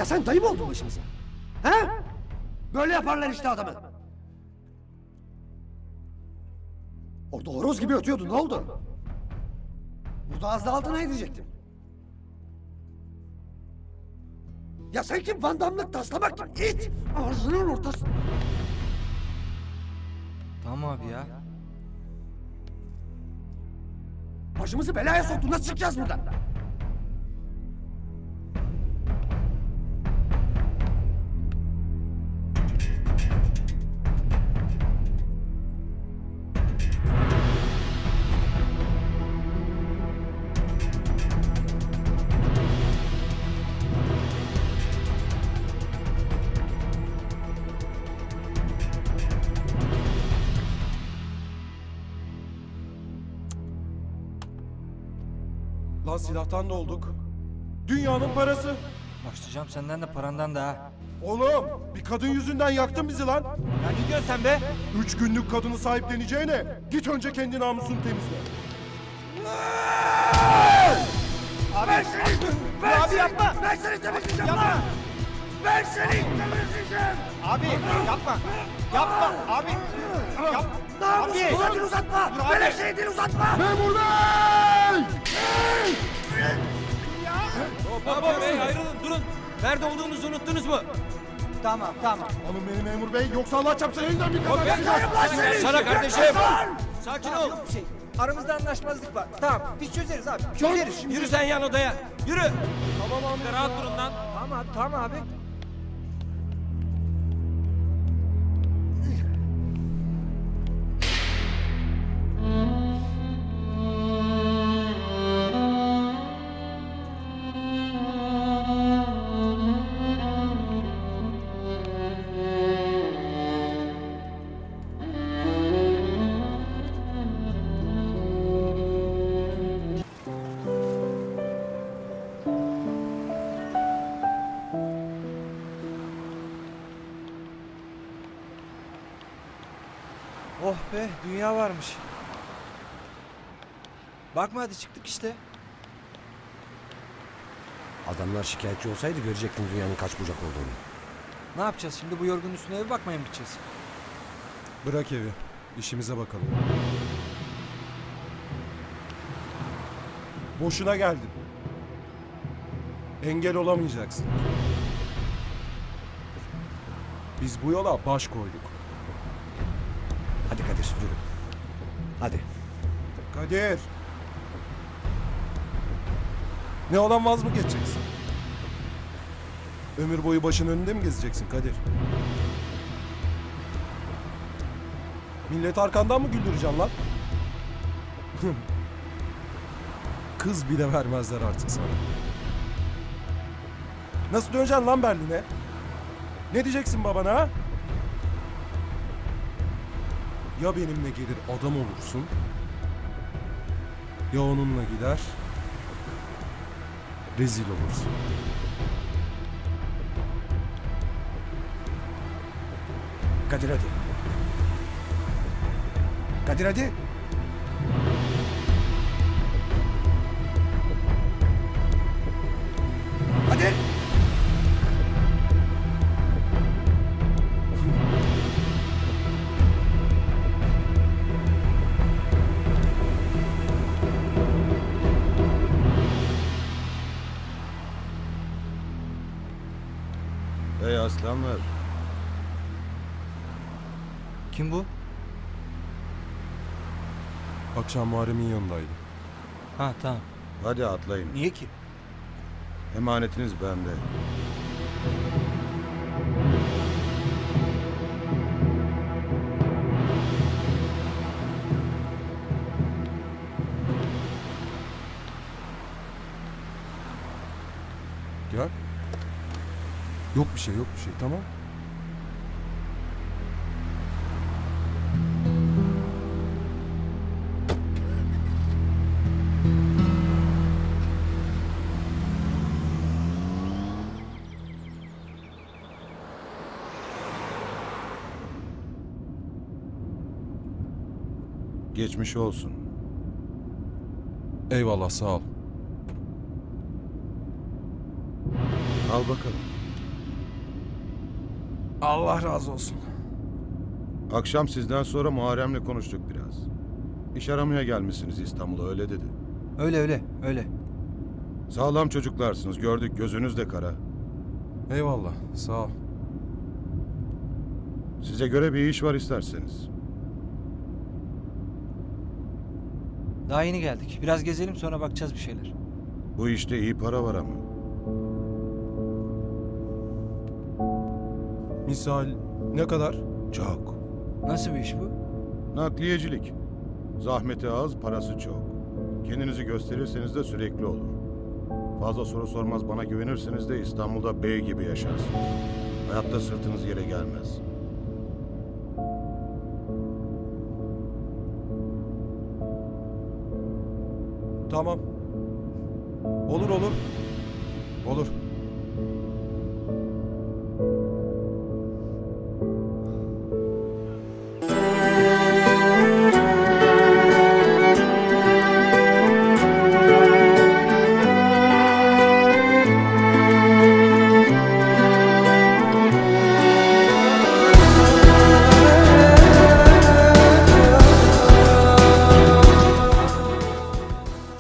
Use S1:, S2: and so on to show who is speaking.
S1: sen dayı mı oldun başımıza? He? Böyle yaparlar işte adamı. Orada horoz gibi ötüyordu, ne oldu? Burada az da altına edecektim. Ya sen kim vandamlık taslamak kim? İt! Ağzının ortası.
S2: Tamam abi ya.
S1: Başımızı belaya soktun, nasıl çıkacağız buradan?
S3: Lan silahtan da olduk. Dünyanın parası.
S2: Başlayacağım senden de parandan da ha.
S3: Oğlum bir kadın yüzünden yaktın bizi lan.
S2: Ya ne diyorsun sen be?
S3: 3 günlük kadını sahipleneceğine git önce kendi namusunu temizle.
S1: Ver seni! Ver
S2: abi
S1: seni!
S2: yapma!
S1: Ver seni temizleyeceğim
S2: Yapma!
S1: lan! Ver seni temizleyeceğim!
S2: Abi yapma. Yapma abi. Yap.
S1: Namusunu
S2: Abi!
S1: dil uzatma!
S2: Dur abi!
S1: Böyle şey dil uzatma!
S3: Memur bey!
S4: Baba bey ayrılın durun. Nerede olduğunuzu unuttunuz mu?
S2: Tamam.
S3: Alın beni memur bey yoksa Allah çarpsın elinden bir kaza
S4: Ben
S3: çıkacak.
S4: sana kardeşim. Sakin ol.
S2: Aramızda anlaşmazlık var. Tamam biz çözeriz abi. Çözeriz.
S4: Yürü sen yan odaya. Yürü.
S3: Tamam abi.
S4: Rahat durun lan.
S2: Tamam abi. Oh be dünya varmış. Bakma hadi çıktık işte.
S1: Adamlar şikayetçi olsaydı görecektin dünyanın kaç bucak olduğunu.
S2: Ne yapacağız şimdi bu yorgun üstüne eve bakmaya mı gideceğiz?
S3: Bırak evi. İşimize bakalım. Boşuna geldin. Engel olamayacaksın. Biz bu yola baş koyduk.
S1: Hadi Kadir yürü. Hadi.
S3: Kadir. Ne olan vaz mı geçeceksin? Ömür boyu başın önünde mi gezeceksin Kadir? Millet arkandan mı güldüreceksin lan? Kız bile vermezler artık sana. Nasıl döneceksin lan Berlin'e? Ne diyeceksin babana ha? Ya benimle gelir adam olursun, ya onunla gider, rezil olursun.
S1: Kadir hadi. Kadir hadi. Hadi.
S5: Ey aslanlar,
S2: Kim bu?
S3: Akşam Muharrem'in yanındaydı.
S2: Ha tamam.
S5: hadi atlayın.
S2: Niye ki?
S5: Emanetiniz bende.
S3: Gel. Yok bir şey, tamam.
S5: Geçmiş olsun.
S3: Eyvallah, sağ ol.
S5: Al bakalım.
S3: Allah razı olsun.
S5: Akşam sizden sonra Muharrem'le konuştuk biraz. İş aramaya gelmişsiniz İstanbul'a öyle dedi.
S2: Öyle.
S5: Sağlam çocuklarsınız gördük gözünüz de kara.
S3: Eyvallah, sağ ol.
S5: Size göre bir iş var isterseniz.
S2: Daha yeni geldik. Biraz gezelim sonra bakacağız bir şeyler.
S5: Bu işte iyi para var ama.
S3: Misal ne kadar?
S5: Çok.
S2: Nasıl bir iş bu?
S5: Nakliyecilik. Zahmeti az, parası çok. Kendinizi gösterirseniz de sürekli olur. Fazla soru sormaz bana güvenirseniz de İstanbul'da bey gibi yaşarsınız. Hayatta sırtınız yere gelmez.
S3: Tamam. Olur. Olur.